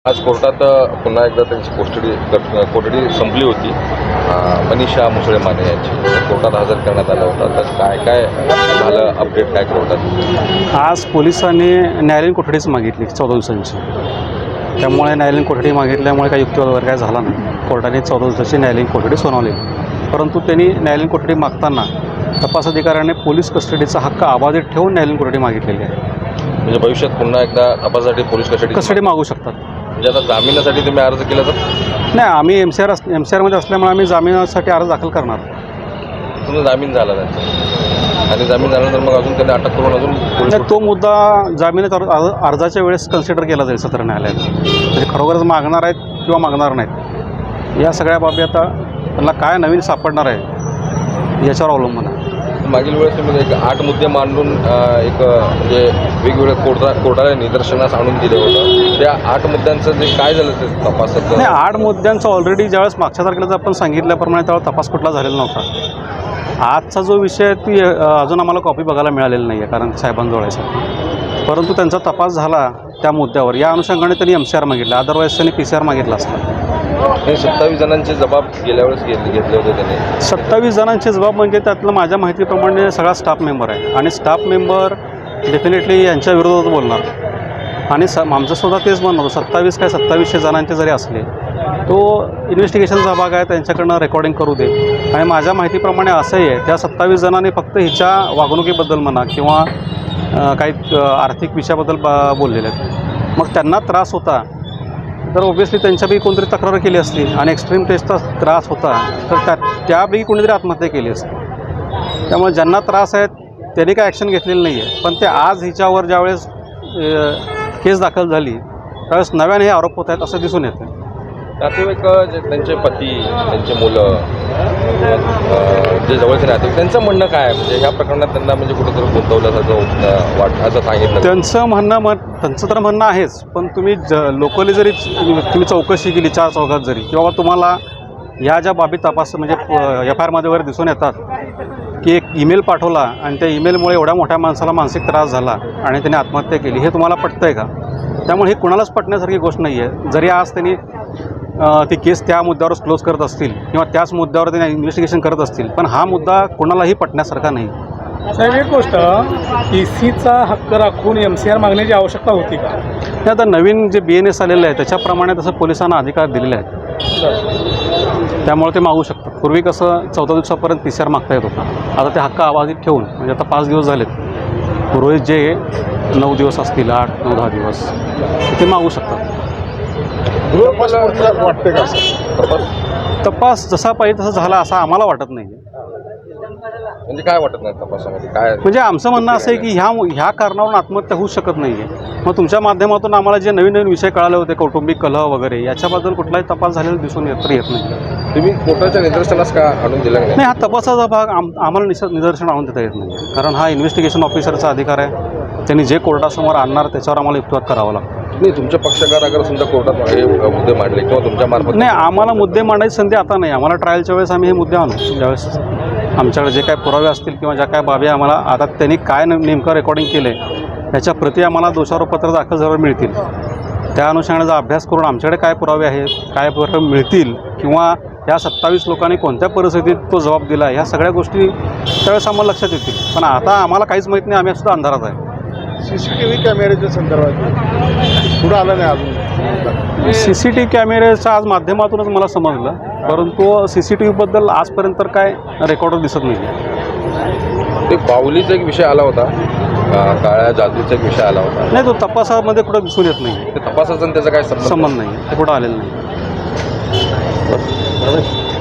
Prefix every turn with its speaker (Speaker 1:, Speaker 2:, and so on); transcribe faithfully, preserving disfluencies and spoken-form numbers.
Speaker 1: आज कोर्टात पुन्हा एकदा त्यांची कोठडी कोठडी संपली होती. मनीषा मुसळे माने यांची कोर्टात हजर करण्यात आला होता. तर काय काय झालं, अपडेट काय कोर्टात?
Speaker 2: आज पोलिसांनी न्यायालयीन कोठडीच मागितली चौदा दिवसांची. त्यामुळे न्यायालयीन कोठडी मागितल्यामुळे काही युक्तिवाद वगैरे काय झाला नाही. कोर्टाने चौदा दिवसाची न्यायालयीन कोठडी सुनावली. परंतु त्यांनी न्यायालयीन कोठडी मागताना तपास अधिकाऱ्याने पोलीस कस्टडीचा हक्क अबाधित ठेवून न्यायालयीन कोठडी मागितलेली आहे.
Speaker 1: म्हणजे भविष्यात पुन्हा एकदा तपासासाठी पोलीस कस्टडी
Speaker 2: कस्टडी मागू शकतात.
Speaker 1: म्हणजे आता जामिनासाठी तुम्ही अर्ज केला तर?
Speaker 2: नाही, आम्ही M C R M C आरमध्ये असल्यामुळे आम्ही जामिनासाठी अर्ज दाखल करणार.
Speaker 1: तुमचा जामीन झाला नाही आणि जामीन झाल्यानंतर मग अजून त्यांनी अटक करून अजून पोलीस
Speaker 2: तो मुद्दा जामिनात अर्जाच्या वेळेस कन्सिडर केला जाईल सत्र न्यायालयात. म्हणजे खरोखरच मागणार आहेत किंवा मागणार नाहीत या सगळ्या बाबी आता त्यांना काय नवीन सापडणार आहे याच्यावर अवलंबून आहे.
Speaker 1: मागील वेळेस तुम्ही एक आठ मुद्दे मांडून एक म्हणजे वेगवेगळ्या कोर्टा कोर्टाला निदर्शनास आणून दिले होतं. त्या आठ मुद्द्यांचं जे काय झालं ते तपासात?
Speaker 2: नाही, आठ मुद्द्यांचं ऑलरेडी ज्यावेळेस मागच्या तारखेला आपण सांगितल्याप्रमाणे त्यावेळेस तपास कुठला झालेला नव्हता. आजचा जो विषय आहे ती अजून आम्हाला कॉपी बघायला मिळालेली नाही आहे कारण साहेबांजवळ आहे. परंतु त्यांचा तपास झाला त्या मुद्द्यावर या अनुषंगाने त्यांनी एम सी आर मागितला. अदरवाईज त्यांनी पी सी आर मागितला असता.
Speaker 1: हे सत्तावीस जणांचे जबाब गेल्या वेळेस घेतले घेतले होते त्यांनी.
Speaker 2: सत्तावीस जणांचे जबाब म्हणजे त्यातलं माझ्या माहितीप्रमाणे सगळा स्टाफ मेंबर आहे आणि स्टाफ मेंबर डेफिनेटली यांच्या विरोधात बोलणार. आणि स आमचंसुद्धा तेच म्हणणं होतं, सत्तावीस काय सत्तावीसशे जणांचे जरी असले तो इन्व्हेस्टिगेशनचा भाग आहे, त्यांच्याकडनं रेकॉर्डिंग करू दे. आणि माझ्या माहितीप्रमाणे असंही आहे त्या सत्तावीस जणांनी फक्त हिच्या वागणुकीबद्दल म्हणा किंवा काही आर्थिक विषयाबद्दल बोललेले आहेत. मग त्यांना त्रास होता तर ऑब्व्हियसली त्यांच्यापैकी कोणतरी तक्रार केली असती आणि एक्स्ट्रीम टेस्टचा त्रास होता तर त्या त्यापैकी कोणीतरी आत्महत्या केली असती. त्यामुळे ज्यांना त्रास आहेत त्यांनी काय ॲक्शन घेतलेली नाही आहे. पण ते आज हिच्यावर ज्यावेळेस केस दाखल झाली त्यावेळेस नव्याने हे आरोप होत आहेत असं दिसून येतं.
Speaker 1: नातेवाईक जे त्यांचे पती, त्यांचे मुलं, जे जवळचे नातेवाईक त्यांचं म्हणणं काय आहे? म्हणजे ह्या प्रकरणात त्यांना म्हणजे कुठेतरी गुंतवल्यासारखं वाट असं सांगितलं.
Speaker 2: त्यांचं म्हणणं मग त्यांचं तर म्हणणं आहेच. पण तुम्ही ज लोकली जरी तुम्ही चौकशी केली चार चौघात जरी किंवा तुम्हाला ह्या ज्या बाबी तपास म्हणजे एफ आय आरमध्ये वगैरे दिसून येतात की एक ईमेल पाठवला आणि त्या ईमेलमुळे एवढ्या मोठ्या माणसाला मानसिक त्रास झाला आणि त्याने आत्महत्या केली, हे तुम्हाला पटतं आहे का? त्यामुळे ही कुणालाच पटण्यासारखी गोष्ट नाही आहे. जरी आज त्यांनी ती केस त्या मुद्द्यावरच क्लोज करत असतील किंवा त्याच मुद्द्यावर त्यांनी इन्व्हेस्टिगेशन करत असतील, पण हा मुद्दा कोणालाही पटण्यासारखा नाही.
Speaker 3: साहेब, एक गोष्ट, ई सीचा हक्क राखून एम सी आर मागण्याची आवश्यकता होती का?
Speaker 2: हे आता नवीन जे बी एन एस आलेलं आहे त्याच्याप्रमाणे तसं पोलिसांना अधिकार दिलेले आहेत. त्यामुळे ते मागू शकतात. पूर्वी कसं चौदा दिवसापर्यंत पी सी आर मागता येत होता. आता ते हक्क अबाधित ठेवून म्हणजे आता पाच दिवस झालेत, रोज जे नऊ दिवस असतील, आठ नऊ दहा दिवस ते मागू शकतात.
Speaker 1: वाटते का तपास
Speaker 2: तपास जसा पाहिजे तसा झाला असं आम्हाला वाटत नाही.
Speaker 1: म्हणजे काय वाटत नाही तपासामध्ये काय?
Speaker 2: म्हणजे आमचं म्हणणं असं आहे की ह्या ह्या कारणावरून आत्महत्या होऊ शकत नाही आहे. मग तुमच्या माध्यमातून आम्हाला जे नवीन नवीन विषय कळाले होते, कौटुंबिक कलह वगैरे, याच्याबद्दल कुठलाही तपास झालेला दिसून येत येत नाही.
Speaker 1: तुम्ही कोर्टाच्या निदर्शनास का आणून दिला नाही?
Speaker 2: नाही, हा तपासाचा भाग आम आम्हाला निस निदर्शन आणून देता येत नाही. कारण हा इन्व्हेस्टिगेशन ऑफिसरचा अधिकार आहे. त्यांनी जे कोर्टासमोर आणणार त्याच्यावर आम्हाला युक्तिवाद करावा लागतो.
Speaker 1: नाही, तुमचे पक्षकार अगर समजा कोर्टात हे मुद्दे मांडले किंवा तुमच्या मार्फत?
Speaker 2: नाही, आम्हाला मुद्दे मांडायची संधी आता नाही. आम्हाला ट्रायलच्या वेळेस आम्ही हे मुद्दे आणू ज्यावेळेस आमच्याकडे जे काय पुरावे असतील किंवा ज्या काय बाबी आम्हाला आता त्यांनी काय नेमकं रेकॉर्डिंग केलं आहे त्याच्या प्रती आम्हाला दोषारोपपत्र दाखल झाल्यावर मिळतील. त्या अनुषंगाचा अभ्यास करून आमच्याकडे काय पुरावे आहेत, काय पुरावे मिळतील किंवा या सत्तावीस लोकांनी कोणत्या परिस्थितीत तो जबाब दिला, ह्या सगळ्या गोष्टी त्यावेळेस आम्हाला लक्षात येतील. पण आता आम्हाला काहीच माहीत नाही. आम्ही सुद्धा अंधारात आहे.
Speaker 4: सी सी टी व्ही कॅमेऱ्याच्या संदर्भात पुढं आलं नाही अजून.
Speaker 2: सी सी टी व्ही कॅमेऱ्याच्या आज माध्यमातूनच मला समजलं, परंतु सी सी टी व्हीबद्दल आजपर्यंत तर काय रेकॉर्डर दिसत नाही.
Speaker 1: ते बाहुलीचा एक विषय आला होता, काळ्या जादूचा एक विषय आला होता.
Speaker 2: नाही, तो तपासामध्ये कुठं दिसून येत नाही.
Speaker 1: ते तपासाचा त्याचा काय संबंध
Speaker 2: संबंध नाही, ते कुठं आलेलं नाही.